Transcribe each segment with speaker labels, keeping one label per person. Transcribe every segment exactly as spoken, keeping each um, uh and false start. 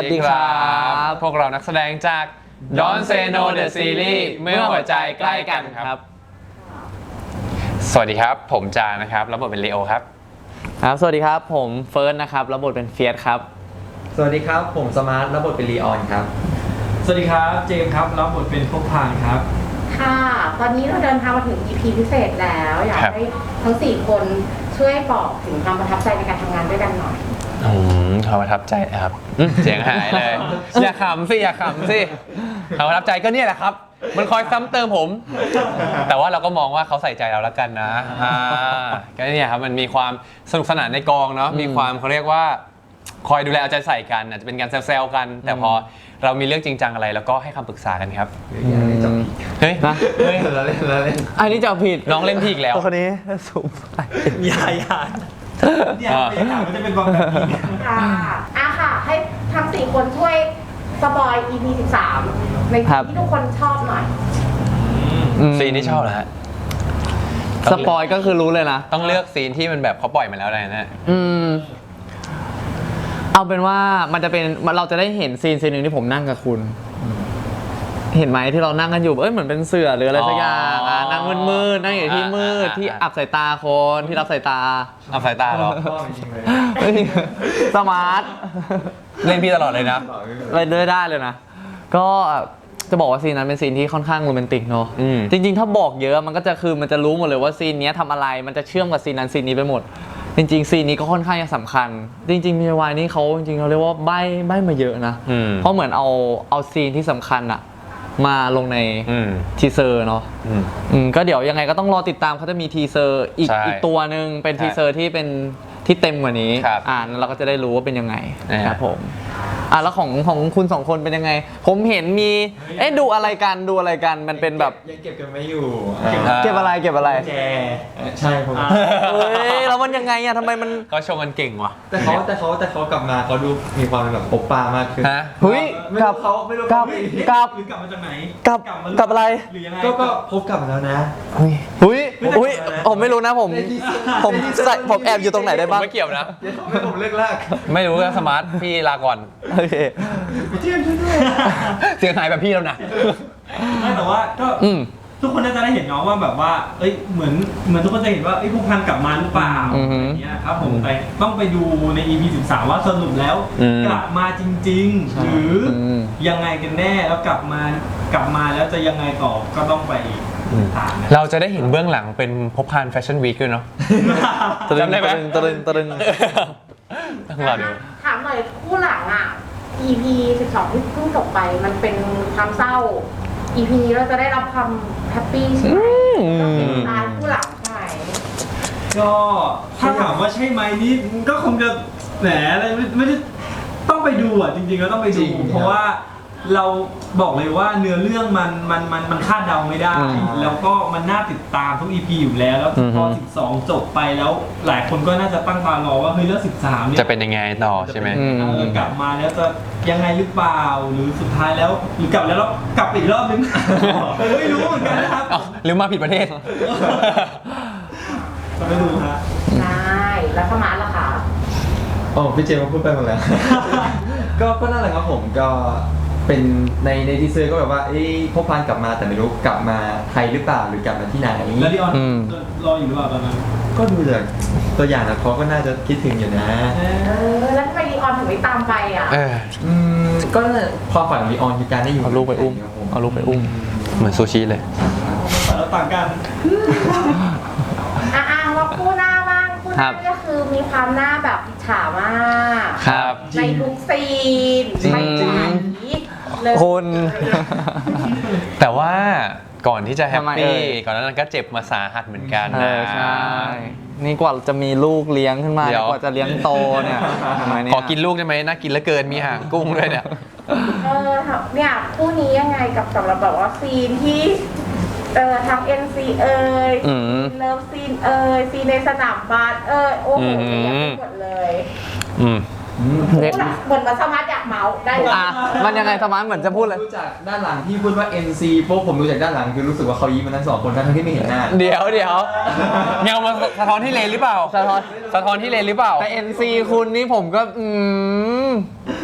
Speaker 1: วัสดีครับพวกเรานักแสดงจาก Don't Say No The Series เมื่อหัวใจใกล้กันครับสวัสดีครับผมจานะครับรับบทเป็นเลโอครับ
Speaker 2: ครับสวัสดีครับผมเฟิร์สนะครับรับบทเป็นเฟียสครับ
Speaker 3: สวัสดีครับผมสมาร์ทรับบทเป็นลีออนครับ
Speaker 4: สวัสดีครับเจมส์ครับรับบทเป็นพงพานครับ
Speaker 5: ค่ะตอนนี้เราเดินทางมาถึง อี พี พิเศษแล้วอยากให้ทั้งสี่คนช่วยบอกถึงความประทับใจในการทำงานด้วยกันหน่อย
Speaker 1: อืมความประทับใจนะครับเสียงหายเลย อย่าขำสิอย่าขำสิความประทับใจก็เนี่ยแหละครับมันคอยซ้ำเติมผมแต่ว่าเราก็มองว่าเขาใส่ใจเราแล้วกันนะก็เนี่ยครับมันมีความสนุกสนานในกองเนาะมีความเขาเรียกว่าคอยดูแลเอาใจใส่กันอาจจะเป็นการแซวๆกันแต่พอเรามีเรื่องจริงจังอะไรแล้วก็ให้คำปรึกษากันครับเฮ้ย
Speaker 2: นะเฮ้ยเราเล่นเราเล่นอันนี้จะผิด
Speaker 1: น้องเล่นพี่อีกแล้ว
Speaker 2: คนนี้สูงไป
Speaker 4: ยายาเนี่ยบรรยากาศมันจะเป็นแบบนี้
Speaker 5: ค่ะอ่ะค่ะให้ทั้งสี่คนช่วยสปอย อี พี สิบสามในที่ทุกคนชอบหน่อย
Speaker 1: ซีนที่ชอบนะฮะ
Speaker 2: สปอยก็คือรู้เลยนะ
Speaker 1: ต้องเลือกซีนที่มันแบบเขาปล่อยมาแล้วอะไรนะ
Speaker 2: อืมเอาเป็นว่ามันจะเป็นเราจะได้เห็นซีนซีนหนึ่งที่ผมนั่งกับคุณเห็นไหมที่เรานั่งกันอยู่เอ้ยเหมือนเป็นเสือหรืออะไรสักอย่างนั่งมืดๆนั่งอยู่ที่มืดที่อับสายตาคนที่รับสายตา
Speaker 1: อับสายตาเหรอ
Speaker 2: สมาร์ท
Speaker 1: เล่นพี่ตลอดเลยนะ
Speaker 2: เล่นได้เลยนะก็จะบอกว่าซีนนั้นเป็นซีนที่ค่อนข้างโรแมนติกเนาะจริงๆถ้าบอกเยอะมันก็จะคือมันจะรู้หมดเลยว่าซีนนี้ทำอะไรมันจะเชื่อมกับซีนนั้นซีนนี้ไปหมดจริงๆซีนนี้ก็ค่อนข้างสำคัญจริงๆมีวายนี่เขาจริงๆเขาเรียกว่าใบ้ใบ้มาเยอะนะเพราะเหมือนเอาเอาซีนที่สำคัญอะมาลงในทีเซอร์เนาะก็เดี๋ยวยังไงก็ต้องรอติดตามเขาจะมีทีเซอร์อีกอีกตัวหนึ่งเป็นทีเซอร์ที่เป็นที่เต็มกว่านี้อ่านเราก็จะได้รู้ว่าเป็นยังไงครับผมอ่ะแล้วของของคุณสองคนเป็นยังไงผมเห็นมีเอ๊ะดูอะไรกันดูอะไรกันมันเป็นแบบ
Speaker 3: ยังเก็บกันไม่อยู่
Speaker 2: เก็บอะไรเก็บอะไร
Speaker 3: แกใช่ผม
Speaker 2: เฮ้ยแล้วมันยังไงอะทำไมมัน
Speaker 1: ก็ชมกันเก่งว่ะ
Speaker 3: แต่เขาแต่เขาแต่เขากลับมาเขาดูมีความแบบปบปามากขึ้น
Speaker 2: เฮ้ยกลับ
Speaker 4: เขาไม่รู้
Speaker 2: กลับกลับ
Speaker 4: หรือกลับมาจากไหน
Speaker 2: กลับกลับอะไร
Speaker 3: ก็ก็พบกลับมาแล้วนะ
Speaker 2: เฮ้ยเฮ้ยเฮ้ยผมไม่รู้นะผมผมผมแอบอยู่ตรงไหนได้บ้าง
Speaker 1: ไม่เกี่ยวนะ
Speaker 3: เดี๋ยวเขาไม่ผมเลิกลาก
Speaker 1: ไม่รู้ก็สมาร์ทพี่ลาก่อน
Speaker 2: โอเค
Speaker 3: พี่เทียมช่วยด้วย
Speaker 1: เสียงหายแบบพี่แล้วนะ
Speaker 4: ไม่แต่ว่าก็ทุกคนน่าจะได้เห็นน้องว่าแบบว่าเอ้ยเหมือนเหมือนทุกคนจะเห็นว่าไอ้พวกพันกลับมาหรือเปล่าอย่างเงี้ยครับผมไปต้องไปดูใน อี พี สิบสามว่าสรุปแล้วกลับมาจริงๆหรือยังไงกันแน่แล้วกลับมากลับมาแล้วจะยังไงต่อก็ต้องไป
Speaker 1: เราจะได้เห็นเบื้องหลังเป็นพบพานแฟชั่นวีคด้วยเนาะ
Speaker 2: จำได้ไหมตรึงตรึง
Speaker 1: ต้องรอดู
Speaker 5: ถามหน่อยคู่หลังอ่ะ อี พี สิบสองที่เพิ่งจบไปมันเป็นความเศร้า อี พี นี้เราจะได้รับความแฮปปี้ใช่ไหมต้องเป็นตายคู่หลังใช่ไหม
Speaker 4: ก็ถ้าถามว่าใช่ไหมนี่ก็คงจะแหมอะไรไม่ได้ต้องไปดูอ่ะจริงๆก็ต้องไปดูเพราะว่าเราบอกเลยว่าเนื้อเรื่องมันมันมันมันคาดเดาไม่ได้แล้วก็มันน่าติดตามทุก อี พี อยู่แล้วแล้วพอสิบสองจบไปแล้วหลายคนก็น่าจะตั้งตารอว่าเฮ้ยแล้วสิบสามเนี่ย
Speaker 1: จะเป็นยังไงต่อใช่ไหม
Speaker 4: กลับมาแล้วจะยังไงหรือเปล่าหรือสุดท้ายแล้วหรือกลับแล้วแล้วกลับอีกรอบนึงไม่รู้เหมือนกันนะครับ
Speaker 1: หรือมาผิดประเทศ
Speaker 4: จะไม่ดูฮะ
Speaker 5: ใช่แล้วเข้ามาแล้วค่ะ
Speaker 3: อ๋อพี่เจมส์พูดไปหมดแล้วก็ก็นั่นแหละครับผมก็เป็นในในทีเซอร์ก็แบบว่าเอ้พบพานกลับมาแต่ไม่รู้กลับมาไทยหรือเปล่าหรือกลับมาที่ไหน
Speaker 4: แล้วดิออนรออยู่หรือเปล่าตอนนั้น
Speaker 3: ก็ดูจากตัวอย่างนะเขาก็น่าจะคิดถึงอยู่นะ
Speaker 5: เออแล้วทำไมดิออนถึงไม่ตามไปอ่ะ
Speaker 3: อืมก็ความฝันของดิออนคือการได้อยู่
Speaker 2: เอาลูกไปอุ้มเอาลูกไปอุ้ม
Speaker 1: เหมือนซูชิเลย
Speaker 4: แล้วต่างกัน
Speaker 5: อ่ะว่าคู่หน้าบ้างคู่หน้าก็คือมีความหน้าแบบอิจฉามาก
Speaker 1: ครับ
Speaker 5: ในทุกซีนไม่ใจ
Speaker 2: คน
Speaker 1: แต่ว่าก่อนที่จะแฮปปี้ก่อนนั้นก็เจ็บมาสาหัสเหมือนกันนะ
Speaker 2: ใช่นี่กว่าจะมีลูกเลี้ยงขึ้นมากว่าจะเลี้ยงโตเนี่ย
Speaker 1: ขอกินลูกได้ไหมน่ากินเหลือเกินมีหางกุ้งด้วยเนี่ย
Speaker 5: เออเนี่ยคู่นี้ยังไงกับสำหรับแบบว่าซีนที่เออทาง เอ็น ซี เอ่ยเลิฟซีนเอ่ยซีนในสนามบาสเอ่ยโอ้โหเยอะไปหมดเลยเหมือนมาสมาร์ทอยากเมาส์ได้
Speaker 2: อ่ะมันยังไงสมาร์ทเหมือนจะพูดเลย
Speaker 3: รู้จักด้านหลังที่พูดว่า เอ็น ซี พวกผมรู้จากด้านหลังคือรู้สึกว่าเขายิ้มมันทั้งสองคนทั้งที่ไม่เห็นหน้า
Speaker 1: เดี๋ยวเดี๋ยวเงามาสะท้อนที่เลนหรือเปล่าสะท้อนสะท้อนที่เลนหรือเปล่า
Speaker 2: แต่ เอ็น ซี คุณนี่ผมก็อืม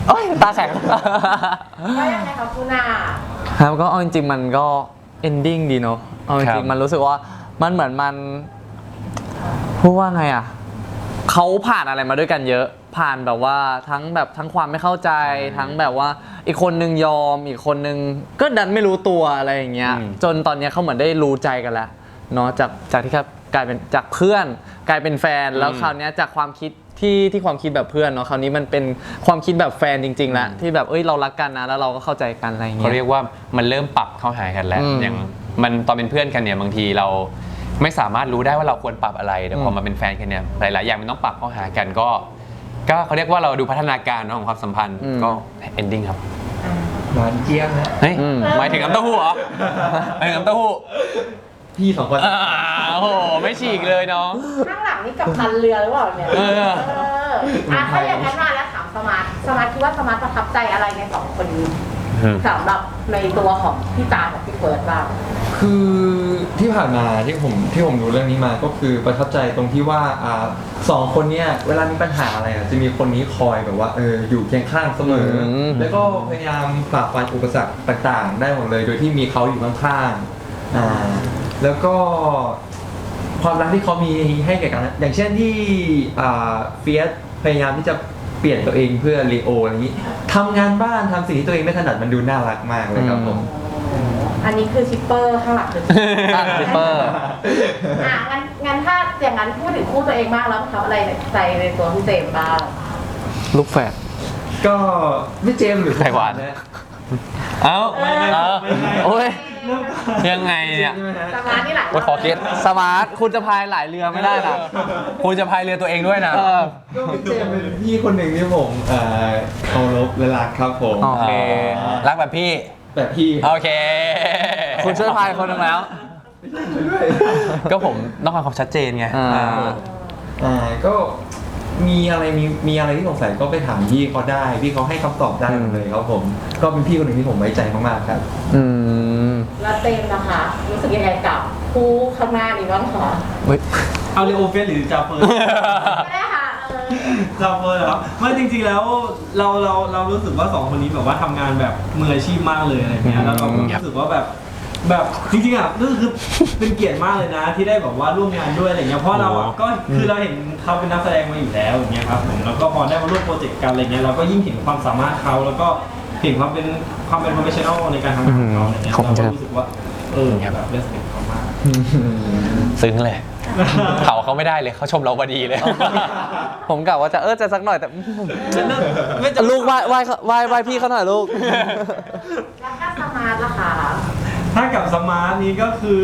Speaker 2: โอ้ยตาแข็ง
Speaker 5: ว่ายังไงคะคุณอา
Speaker 2: ครับก็เอาจริงๆมันก็ ending ดีเนาะเอาจ
Speaker 1: ครั
Speaker 2: ริง
Speaker 1: บ
Speaker 2: ๆมันรู้สึกว่ามันเหมือนมันพูดว่าไงอ่ะเขาผ่านอะไรมาด้วยกันเยอะผ่านแบบว่าทั้งแบบทั้งความไม่เข้าใจทั้งแบบว่าอีกคนนึงยอมอีกคนนึงก็ดันไม่รู้ตัวอะไรอย่างเงี้ยจนตอนเนี้ยเขาเหมือนได้รู้ใจกันแล้วเนาะจากจากที่ครับกลายเป็นจากเพื่อนกลายเป็นแฟนแล้วคราวเนี้ยจากความคิดที่ที่ความคิดแบบเพื่อนเนาะคราวนี้มันเป็นความคิดแบบแฟนจริงๆแล้วที่แบบเอ้ยเรารักกันนะแล้วเราก็เข้าใจกันอะไรอย่าง
Speaker 1: เขา
Speaker 2: เงี้ย
Speaker 1: เรียกว่ามันเริ่มปรับเข้าหากันแล้ว
Speaker 2: อืม
Speaker 1: อย่างมันตอนเป็นเพื่อนกันเนี่ยบางทีเราไม่สามารถรู้ได้ว่าเราควรปรับอะไรแต่พอ
Speaker 2: อืม
Speaker 1: มาเป็นแฟนกันเนี่ยหลายๆอย่างมันต้องปรับเข้าหากันก็ ก็เขาเรียกว่าเราดูพัฒนาการเนอะของความสัมพันธ์ก็ ending ครับ
Speaker 3: หวานเจี๊ยบนะ
Speaker 1: เฮ้ย
Speaker 2: อืม
Speaker 1: หมายถึงน้ำเต้าหู้เหรอหมายถึงน้ำเต้าหู้
Speaker 3: พี่สองคน
Speaker 1: อ่าโอ้โหไม่ฉีกเลยน้อง
Speaker 5: ข้างหลังนี่กับพันเรือหรือเปล่าเนี่ย
Speaker 1: เออ
Speaker 5: เอออ่ะถ้าอย่างนั้นมาแล้วถามสมาร์ทสมาร์ทคิดว่าสมาร์ทประทับใจอะไรในสองคนนี้สำหรับในตัวของพี่ตากับพี่เฟิร์สบ้าง
Speaker 3: คือที่ผ่านมาที่ผมที่ผมดูเรื่องนี้มาก็คือประทับใจตรงที่ว่าอ่าสองคนเนี้ยเวลามีปัญหาอะไรอ่ะจะมีคนนี้คอยแบบว่าเอออยู่เคียงข้างเสมออ
Speaker 2: ม
Speaker 3: แล้วก็พยายามฝ่าฟันอุปสรรคต่างๆ ได้หมดเลย โดยที่มีเขาอยู่ข้างๆอ่าแล้วก็ความรักที่เขามีให้แก่กัน อย่างเช่นที่อ่าเฟียสพยายามที่จะเปลี่ยนตัวเองเพื่อลีโออะไรอย่างนี้ทำงานบ้านทำสิ่งที่ตัวเองไม่ถนัดมันดูน่ารักมากเลยครับผม
Speaker 5: อันนี้คือชิปเปอร์ข้างหลังคือ
Speaker 2: อ่ะชิปเปอร์
Speaker 5: อ่ะงั้นงั้นถ้าอย่างนั้นพูดถึงคู่ตัวเองบ้างแล้วประทับอะไรในใจในตัวพี่เจมส์บ้าง
Speaker 2: ลูกแฝด
Speaker 3: ก็ไม่เจมส์หรือ
Speaker 1: ไข่หวาน
Speaker 3: นะ
Speaker 1: เอ้า
Speaker 5: ไม่ไม่
Speaker 1: เอ้า
Speaker 2: โอ้ย
Speaker 1: ยังไงเนี่ย
Speaker 3: ใช่ไหมฮะ
Speaker 5: สมาร์ทนี่แหละ
Speaker 1: ว่าขอคิด
Speaker 2: สมาร์ทคุณจะพายหลายเรือไม่ได้นะ
Speaker 1: คุณจะพายเรือตัวเองด้วยนะ
Speaker 2: เออ
Speaker 3: ก็พี่เจมส์เป็นพี่คนหนึ่งที่ผมเอ่อเคารพและรักครับผม
Speaker 2: อ๋อ
Speaker 1: โอเค รักแบบพี่
Speaker 3: แบบพี่
Speaker 1: โอเค
Speaker 2: คุณช่วยพายคนหนึงแล้ว
Speaker 3: ด้วย
Speaker 1: ก็ผมต้องการความชัดเจนไง
Speaker 2: อ่า
Speaker 1: อ่า
Speaker 3: อ่าก็มีอะไรมีมีอะไรที่สงสัยก็ไปถามพี่เขาได้พี่เขาให้คำตอบได้หมดเลยครับผม ก็เป็นพี่คนหนึ่งที่ผมไว้ใจมากๆครับ
Speaker 2: อืม
Speaker 5: แล้วเต็มนะคะ รู้สึกยังไงกับคู่ข้างหน้านี้บ้างคะ
Speaker 2: เฮ้ย
Speaker 4: เอาเลโอเฟสหรือจาเฟิร์
Speaker 5: ไม่ได้ค่ะเออ
Speaker 4: จาเฟิร์เหรอครับไม่จริงๆแล้วเราเราเรารู้สึกว่าสองคนนี้แบบว่าทำงานแบบมืออาชีพมากเลยอะไรเงี้ยแล้วเราก็รู้สึกว่าแบบแบบจริงๆอ่ะก็คือเป็นเกียรติมากเลยนะที่ได้แบบว่าร่วมงานด้วยอะไรเงี้ยเพราะเราอ่ะก็คือเราเห็นเขาเป็นนักแสดงมาอยู่แล้วอย่างเงี้ยครับผมแล้วก็พอได้มาร่วมโปรเจกต์กันอะไรเงี้ยเราก็ยิ่งเห็นความสามารถเขาแล้วก็เห็นความเป็นความเป็น professional ในการทำงานของเขาอะไรเงี้ย
Speaker 2: ขอบ
Speaker 4: เรา
Speaker 2: คุณ
Speaker 4: ก็
Speaker 2: ครับ
Speaker 4: รู้สึกว่าเออแบบเรสเพคเขามาก
Speaker 1: ซึ้งเลย เขาเขาไม่ได้เลยเขาชมเราพอดีเลย
Speaker 2: ผมกะว่าจะเออจะสักหน่อยแต่
Speaker 4: ไม่จะ
Speaker 2: ลูกไหว้ไหว้ไหว้ไหว้พี่เขาหน่อยลูก
Speaker 5: แล้วก็สมาร์ทล่ะคะ
Speaker 4: ถ้ากับสมาร์ทนี้ก็คือ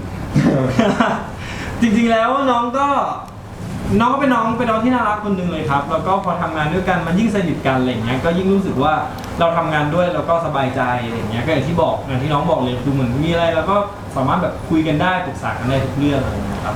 Speaker 4: จริงๆแล้วน้องก็น้องก็เป็นน้องเป็นน้องที่น่ารักคนหนึ่งเลยครับ แล้วก็พอทำงานด้วยกันมันยิ่งสนิทกันอะไรอย่างเงี้ยก็ยิ่งรู้สึกว่าเราทำงานด้วยแล้วก็สบายใจอะไรอย่างเงี้ยก็อย่างที่บอกอย่างที่น้องบอกเลยคือเหมือนมีอะไรเราก็สามารถแบบคุยกันได้ปรึกษากันได้ทุกเรื่องอะไรอย่างเงี้ยครับ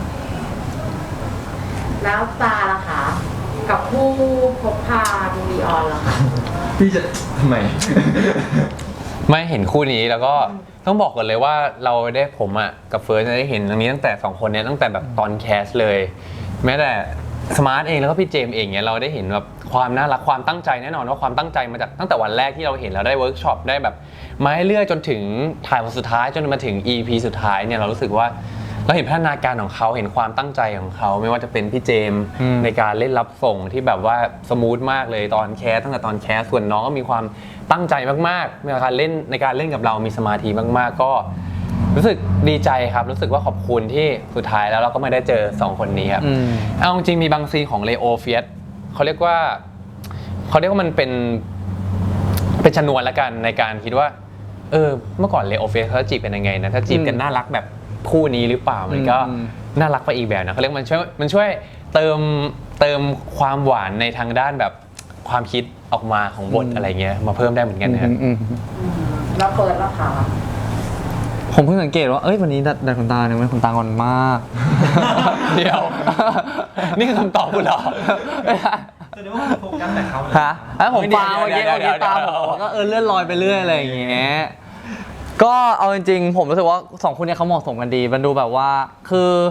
Speaker 5: แล้วตาล่ะคะ กับคู่พบพาดีออนล่ะคะ
Speaker 3: พี่จะทำไม
Speaker 1: ไม่เห็นคู่นี้แล้วก็ต้องบอกก่อนเลยว่าเราได้ผมอ่ะกับเฟิร์สได้เห็นตรงนี้ตั้งแต่สองคนเนี้ยตั้งแต่แบบตอนแคสเลย แม้แต่สมาร์ทเองแล้วก็พี่เจมส์เองเนี่ยเราได้เห็นแบบความน่ารักความตั้งใจแน่นอนว่าความตั้งใจมาจากตั้งแต่วันแรกที่เราเห็นเราได้เวิร์กช็อปได้แบบมาเรื่อยๆจนถึงถ่ายวันสุดท้ายจนมาถึง อี พี สุดท้ายเนี่ยเรารู้สึกว่าเราเห็นพัฒนาการของเขาเห็นความตั้งใจของเขาไม่ว่าจะเป็นพี่เจมส์
Speaker 2: อืม
Speaker 1: ในการเล่นรับส่งที่แบบว่าสมูทมากเลยตอนแคสตั้งแต่ตอนแคสส่วนน้องก็มีความตั้งใจมากๆในการเล่นในการเล่นกับเรามีสมาธิมากๆ ก็รู้สึกดีใจครับรู้สึกว่าขอบคุณที่สุดท้ายแล้วเราก็ไม่ได้เจอสองคนนี้ครับ
Speaker 2: อืม
Speaker 1: เอาจริงๆมีบางซีนของเลโอเฟียสเขาเรียกว่าเขาเรียกว่ามันเป็นเป็นชนวนละกันในการคิดว่าเออเมื่อก่อนเลโอเฟียสเขาจีบกันยังไงนะถ้าจีบกันน่ารักแบบคู่นี้หรือเปล่ามันก็
Speaker 2: อืม
Speaker 1: น่ารักไปอีกแบบนะเขาเรียกมันช่วยมันช่วยเติมเติมความหวานในทางด้านแบบความคิดออกมาของบทอะไรเงี้ยมาเพิ่มได้เหมือนกันนะครับ
Speaker 2: อืม
Speaker 5: แล้วเฟิร์สล่ะคะ
Speaker 2: ผมเพิ่งสังเกตว่าเอ้ยวันนี้ดัดดัดขนตาเนี่ยมันขนตางอนมาก
Speaker 1: เดี๋ยว นี่คือคำตอบคุณเหรอ
Speaker 4: แสดงว่าคุณโฟกัสแต่เขาเลย
Speaker 2: ฮะแล้วผมฟัง
Speaker 1: เดี๋
Speaker 2: เมื่อ
Speaker 1: ยว
Speaker 2: กี้
Speaker 1: เดี๋ยว
Speaker 2: เมื่อกี้ตาม
Speaker 1: เดี๋
Speaker 2: ผ
Speaker 1: ยว
Speaker 2: มก็เออเลื่อนลอยไปเรื่อยอะไรอย่างเงี้ยก็เอาจริงๆผมรู้สึกว่าสองคนเนี้เขาเหมาะสมกันดีมันดูแบบว่าคือ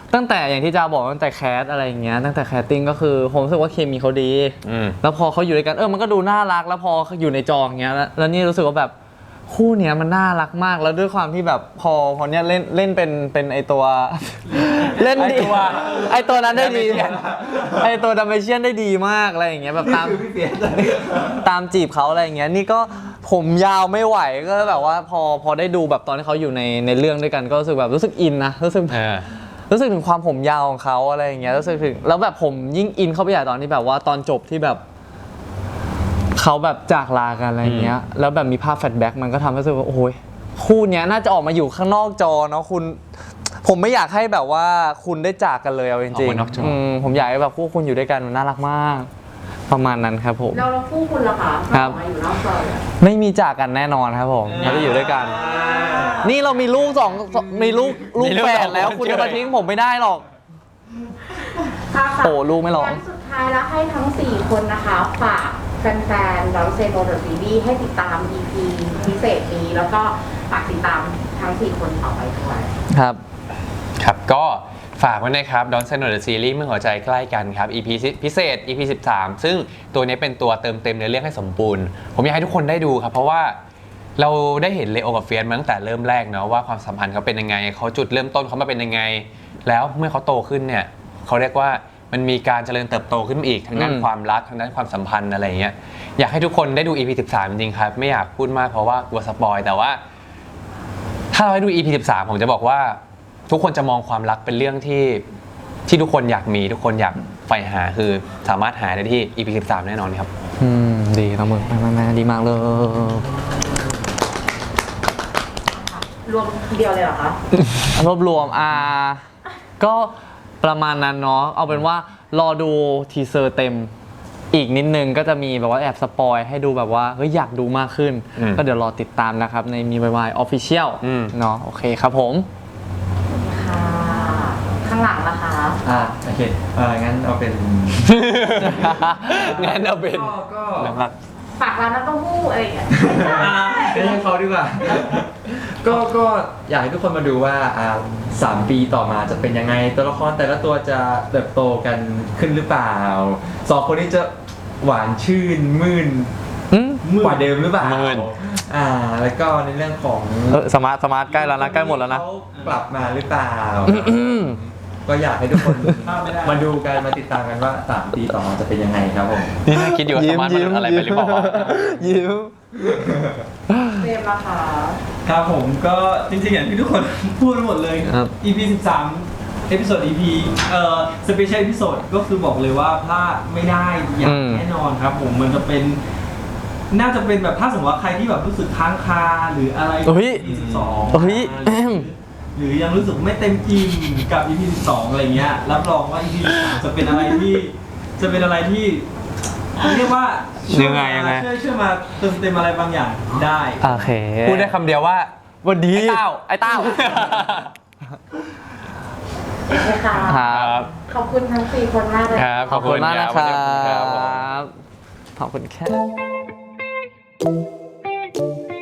Speaker 2: ตั้งแต่อย่างที่จาบอกตั้งแต่แคสอะไรอย่างเงี้ยตั้งแต่แคสติ้งก็คือผมรู้สึกว่าเคมีเขาดี
Speaker 1: อืม
Speaker 2: แล้วพอเขาอยู่ด้วยกันเออมันก็ดูน่ารักแล้วพออยู่ในจออย่างเงี้ยแล้วแล้วนี่รู้สึกว่าแบบคู่เนี้ยมันน่ารักมากแล้วด้วยความที่แบบพอพอเนี้ยเล่นเล่นเป็นเป็นไอตัว เล่นดี
Speaker 1: ไอ้ตัว
Speaker 2: ไอตัวนั้นได้ดี
Speaker 1: Dalmatian
Speaker 2: ไอตัวดัมเบเชียนได้ดีมากอะไรอย่างเงี้ยแบบตาม
Speaker 3: คือพี่เปียก
Speaker 2: ตามจีบเขาอะไรอย่างเงี้ยนี่ก็ผมยาวไม่ไหวก็แบบว่าพอพอได้ดูแบบตอนที่เขาอยู่ในในเรื่องด้วยกันก็รู้สึกแบบรู้สึกอินนะรู้สึก
Speaker 1: เออ
Speaker 2: รู้สึกถึงความผมยาวของเขาอะไรอย่างเงี้ยรู้สึกถึงแล้วแบบผมยิ่งอินเข้าไปใหญ่ตอนที่แบบว่าตอนจบที่แบบเขาแบบจากลากันอะไรอย่างเงี้ยแล้วแบบมีภาพแฟลชแบ็กมันก็ทำให้รู้สึกว่าโอ้ยคู่เนี้ยน่าจะออกมาอยู่ข้างนอกจอเนาะคุณผมไม่อยากให้แบบว่าคุณได้จากกันเลยเอาจ
Speaker 1: ออ
Speaker 2: ริ
Speaker 1: ก
Speaker 2: ง
Speaker 1: มานอกจออื
Speaker 2: ๆมผมอยากให้แบบคู่คุณอยู่ด้วยกันมันน่ารักมาก ประมาณนั้นครับผม
Speaker 5: เราเราคู่คุณล่ะคะ
Speaker 2: ครับ
Speaker 5: ออกมาอยู่นอกจอเนี่ย
Speaker 2: ไม่มีจากกันแน่นอนครับผมเราจะอยู่ด้วยกัน นี่เรามีลูกสองสองมีลูกลูก
Speaker 1: มีลูก
Speaker 2: แฝ
Speaker 1: สอ
Speaker 2: ด
Speaker 1: ง
Speaker 2: แล้ว
Speaker 1: คน
Speaker 2: คุณ
Speaker 1: เฉย
Speaker 2: จะมาทิ้งผมไม่ได้หรอก
Speaker 5: ค่ะค่ะ
Speaker 2: โอ้ลูกไม่ร้อง
Speaker 5: งั้นสุดท้ายแล้วให้ทั้งสี่คนนะคะฝากแฟนๆเราเซโนเดอะซีรีส์ให้ติดตาม อี พี พิเศษนี้แล้วก็ฝากติดตามทั้งสี่คนต่อไปด้วย
Speaker 2: ครับ
Speaker 1: ครับก็ฝากไว้นะครับ Don't Say No The Series เมื่อหัวใจใกล้กันครับ อี พี พิเศษ อี พี สิบสาม ซึ่งตัวนี้เป็นตัวเติมเต็มในอเรื่องให้สมบูรณ์ ผมอยากให้ทุกคนได้ดูครับ เพราะว่าเราได้เห็นเลโอกับเฟียสมาตั้งแต่เริ่มแรกเนาะว่าความสัมพันธ์เขาเป็นยังไงเขาจุดเริ่มต้นเขามาเป็นยังไง แล้วเมื่อเขาโตขึ้นเนี่ยเขาเรียกว่ามันมีการเจริญเติบโตขึ้นมาอีกทางด้าน
Speaker 2: อืม
Speaker 1: ความรักทางด้านความสัมพันธ์อะไรอย่างเงี้ยอยากให้ทุกคนได้ดู อี พี สิบสาม จริงๆครับไม่อยากพูดมากเพราะว่ากลัวสปอยแต่ว่า ถ้าเราให้ดู อี พี สิบสาม ผมจะบอกว่าทุกคนจะมองความรักเป็นเรื่องที่ที่ทุกคนอยากมีทุกคนอยากใฝ่หาคือสามารถหาได้ที่ อี พี สิบสาม แน่นอนครับ
Speaker 2: อืมดีน้องมึงแม่แม่ดีมากเลย
Speaker 5: รวมทีเดียวเลยเหรอคะ
Speaker 2: รวบรวมอ่าก็ประมาณนั้นเนาะเอาเป็นว่ารอดูทีเซอร์เต็มอีกนิดนึงก็จะมีแบบว่าแอบสปอยให้ดูแบบว่าเฮ้ยอยากดูมากขึ้น
Speaker 1: อืม
Speaker 2: ก็เดี๋ยวรอติดตามนะครับในมีวายออฟฟิเชียล
Speaker 1: อืม
Speaker 2: เนาะโอเคครับผม
Speaker 5: ค่ะ ข้างหลังล่ะคะ
Speaker 3: อ่าโอเคเอองั้นเอาเป็น
Speaker 1: งั้นเอาเป็น
Speaker 3: ก็ก็
Speaker 1: นะครับ
Speaker 5: ฝากร้านน้ำเต้าหู้อะไรอย่างเงี้ย
Speaker 3: ไม่ใช่เขาดีกว่า ก็ก็อยากให้ทุกคนมาดูว่าอ่าสามปีต่อมาจะเป็นยังไงตัวละครแต่ละตัวจะเติบโตกันขึ้นหรือเปล่าสองคนนี้จะหวานชื่นมื่น
Speaker 2: อืม
Speaker 3: กว่าเดิมหรือเปล่า
Speaker 1: มื่น
Speaker 3: อ่าแล้วก็ในเรื่องของ
Speaker 2: เออสมาร์ทสมาร์ทใกล้แล้วนะใกล้หมดแล้วนะ
Speaker 3: เขากลับมาหรือเปล่า
Speaker 2: อืม
Speaker 3: ก็อยากให้ทุกคน
Speaker 4: พลาดไม่ได้
Speaker 3: มาดูกันมาติดตามกันว่าสามปีต่อมาจะเป็นยังไงครับผม
Speaker 1: นี่น่าคิดอยู่ว่าสามารถมันอะไรไปหรือเปล่าวะ
Speaker 2: ยิ้ม
Speaker 5: เฟรมล่ะคะ
Speaker 4: ครับผมก็จริงๆอย่างที่ทุกคน พูดหมดเลย
Speaker 2: ครับ
Speaker 4: อี พี สิบสาม เอพิโซด อี พี เอ่อสเปเชียลเอพิโซดก็คือบอกเลยว่าพลาดไม่ได้อย่า
Speaker 2: อื
Speaker 4: ง
Speaker 2: ม
Speaker 4: แน่นอนครับผมมันจะเป็น น่าจะเป็นแบบถ้าสมมติว่าใครที่แบบรู้สึกค้างคาหรืออะไร
Speaker 2: เฮ้ย
Speaker 4: อี พี สิบสอง
Speaker 2: เฮ้ย
Speaker 4: หรือยังรู้สึกไม่เต็มอิ่มกับ อี พี สิบสอง อะไรเงี้ยรับรองว่า อี พี สิบสาม จะเป็นอะไรที่จะเป็นอะไรที่เรียกว่าช่ว
Speaker 1: ยังไงยังไง
Speaker 4: ช่วยช่วยมาเติมเต็มอะไรบางอย่างได้
Speaker 2: โอเค
Speaker 1: พูดได้คำเดียวว่า
Speaker 2: วันดี
Speaker 1: ไอ้เต้า
Speaker 2: ไอ้เต้า
Speaker 5: โอเคค่ะ
Speaker 2: ครับ
Speaker 5: ขอบคุณทั้งสี่คนมากเลย
Speaker 1: ครับ
Speaker 2: ขอบคุณมากนะครั
Speaker 1: ขอบคุณครับผม
Speaker 2: บ ขอบคุณครับ